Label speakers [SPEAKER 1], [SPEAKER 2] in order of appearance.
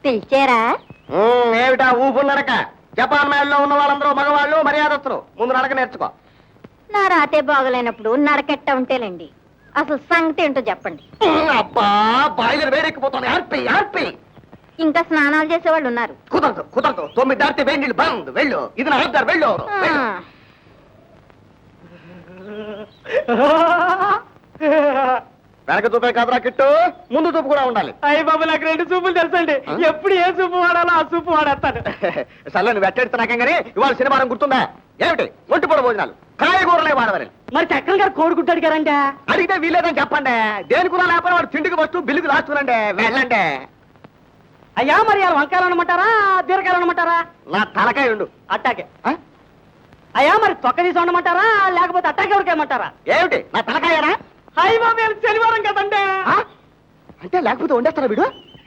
[SPEAKER 1] పిలిచారా?
[SPEAKER 2] ఏమిటా ఊపు నడక? జపాన్ మేడలో ఉన్న వాళ్ళందరూ మగవాళ్ళు, మర్యాదస్తులు. ముందు నడక నేర్చుకో.
[SPEAKER 1] నా రాతే బాగలేనప్పుడు నడకెట్ట ఉంటేలేండి. అసలు సంగతి ఏంటో చెప్పండి.
[SPEAKER 2] అబ్బా బాయిలర్ వేడెక్కిపోతుంది. ఆర్పి ఆర్పి.
[SPEAKER 1] ఇంకా స్నానాలు చేసేవాళ్ళు ఉన్నారు.
[SPEAKER 2] కుదరదు కుదరదు. 9 దాటితే వేడి నీళ్ళు బంద్. వెళ్ళు. ఇది నా ఆర్డర్. వెళ్ళు. వెనక చూపే కాదురా కిట్టు, ముందు చూపు కూడా ఉండాలి.
[SPEAKER 3] అయ్య బాబు, నాకు 2 చూపులు తెలుసండి. ఎప్పుడు ఏ చూపు వాడాలో ఆ చూపు వాడేస్తాను.
[SPEAKER 2] సర్లే నువ్వు వెట్టెడుతున్నాకేం కానీ ఇవాళ శనివారం గుర్తుందా? ఏమిటి ఒంటిపూట భోజనాలు, కాయగూరలే వాడవని.
[SPEAKER 3] మరి చక్రం గారు కోడిగుడ్డు అడిగారంటే
[SPEAKER 2] అడిగితే వీలేదని చెప్పండి. దేని కూడా లేకపోతే వాడు తిండికి వస్తూ బిల్లుకి రాస్తుందండి. వెళ్ళండి.
[SPEAKER 3] అయ్యా, మరి వాళ్ళు వంకాయలు అనమంటారా, బీరకాయలు అనమంటారా?
[SPEAKER 2] నా తలకాయ ఉండు.
[SPEAKER 3] అట్టాకే. అయ్యా, మరి తొక్క తీసి ఉండమంటారా, లేకపోతే అట్టాకే ఉడకేయమంటారా?
[SPEAKER 2] ఏమిటి నా తలకాయనా?
[SPEAKER 3] అయ్య బాబు, శనివారం కదండి.
[SPEAKER 2] అంటే లేకపోతే వండేస్తారా వీడు?